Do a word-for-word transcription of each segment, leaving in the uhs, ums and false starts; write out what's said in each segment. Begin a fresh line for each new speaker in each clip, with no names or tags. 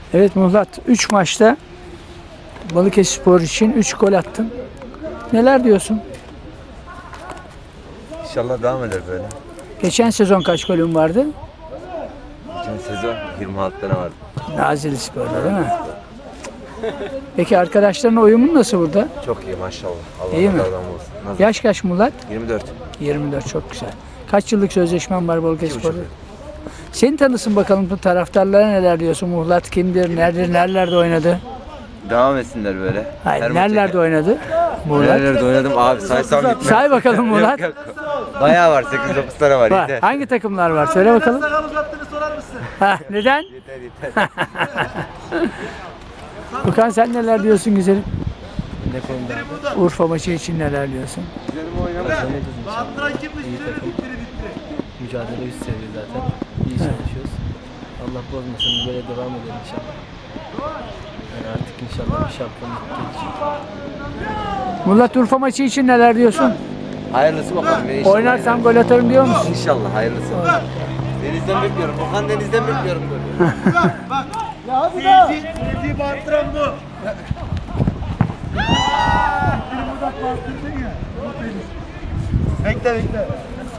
Evet Muhlat, üç maçta Balıkesirspor için üç gol attın. Neler diyorsun?
İnşallah devam eder böyle.
Geçen sezon kaç golün vardı?
Geçen sezon yirmi altı tane vardı.
Nazilli Spor'da değil mi? Peki arkadaşların uyumun nasıl burada?
Çok iyi maşallah. Allah
İyi mi?
razı olsun. Nasıl?
Yaş kaç Muhlat?
yirmi dört.
yirmi dört, çok güzel. Kaç yıllık sözleşmen var Balıkesirspor'da?
İki buçuk
Seni tanısın bakalım, bu taraftarlara neler diyorsun? Muhlat kimdir? Nerede, nerelerde oynadı?
Devam etsinler böyle.
Hayır,
Her
nerelerde
maça-
oynadı? Muhlat.
Nerelerde oynadım abi, saysam bitmez.
Say bakalım Muhlat.
Yok, yok. Bayağı var, sekiz dokuz tane var.
Var.
Yeter.
Hangi takımlar var? Söyle bakalım. Ha, neden?
Yeter yeter.
Okan sen neler diyorsun güzelim?
Ne konuda abi?
Urfa maçı için neler diyorsun?
İyi takım. Mücadele üst seviye zaten. İyi çalışıyoruz. Allah bozmasın, böyle devam edelim inşallah. Yani artık inşallah bir şampiyonluk gelecek.
Muhlat, Urfa maçı için neler diyorsun?
Hayırlısı bakalım. İnşallah
Oynarsam gol atarım diyor musun?
İnşallah hayırlısı. Denizden bekliyorum. Okan Deniz'den bekliyorum böyle.
Seyirci bağırtıran bu. Bekle bekle.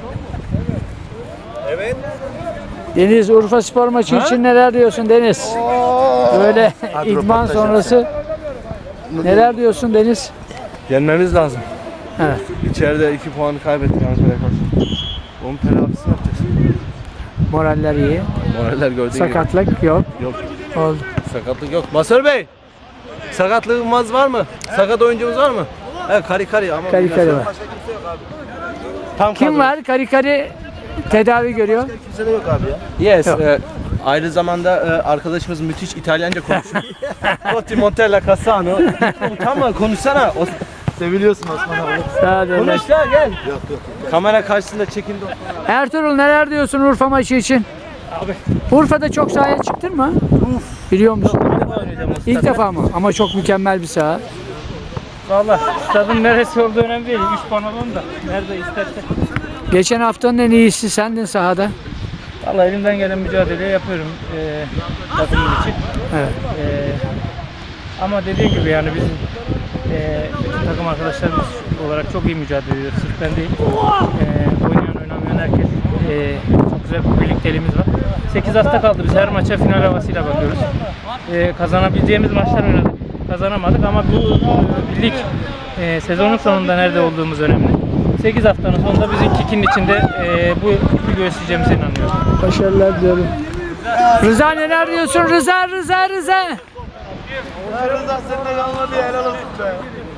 Evet.
Deniz, Urfa Spor maçı için neler diyorsun Deniz? Böyle idman sonrası neler diyorsun Deniz?
Yenmemiz lazım.
Evet.
İçeride iki puanı kaybettik Ankara'ya karşı. Onun telafisini yapacağız.
Moraller iyi.
Moraller gördüğün gibi.
Sakatlık yok.
Yok.
Oldu.
Sakatlık yok. Masör Bey! Sakatlığımız var mı? Sakat oyuncumuz var mı? Evet, kari kari ama.
Kari kari var.
Tam
Kim
kadro.
var? Kari kari tedavi görüyor.
Kimse de yok abi ya.
Yes. e, aynı zamanda e, arkadaşımız müthiş İtalyanca konuşuyor. Totti Montella Cassano. Tamam konuşsana. O, seviliyorsun Osman abi.
Sağ ol.
Konuş ya gel. Yok yok. Kamera karşısında çekildi.
Ertuğrul, neler diyorsun Urfa maçı için?
Abi.
Urfa'da çok sahaya çıktın mı? Uf. Biliyor musun? İlk defa mı? Ama çok mükemmel bir saha.
Valla stadın neresi olduğu önemli değil. Üç puan alalım da nerede istersen.
Geçen haftanın en iyisi sendin sahada.
Valla elimden gelen mücadeleyi yapıyorum e, takımım için.
Evet.
E, ama dediğim gibi yani bizim e, bütün takım arkadaşlarımız olarak çok iyi mücadele ediyoruz. Sırf ben değil. E, oynayan oynamayan herkes. E, çok güzel bir birlikteliğimiz var. sekiz hafta kaldı. Biz her maça final havasıyla bakıyoruz. E, kazanabileceğimiz maçlar oynadık. Kazanamadık ama bu e, lig e, sezonun sonunda nerede olduğumuz önemli. sekiz haftanın sonunda bizim Kik'in içinde e, bu ipi göstereceğimize inanıyorum.
Başarılar diliyorum. Rıza, neler diyorsun? Rıza, Rıza, Rıza.
Ya Rıza seninle kalmadı ya, helal olsun be.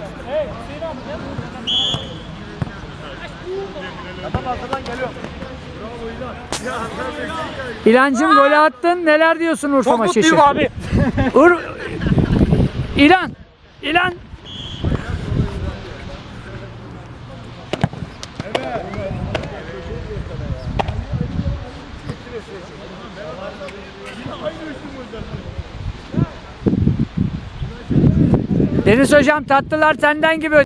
Adam arkadan geliyor.
İlancım, golü attın. Neler diyorsun Urfa
Çok
maçı için?
mutluyum abi.
Ur İlan. İlan. Deniz hocam, tatlılar senden gibi.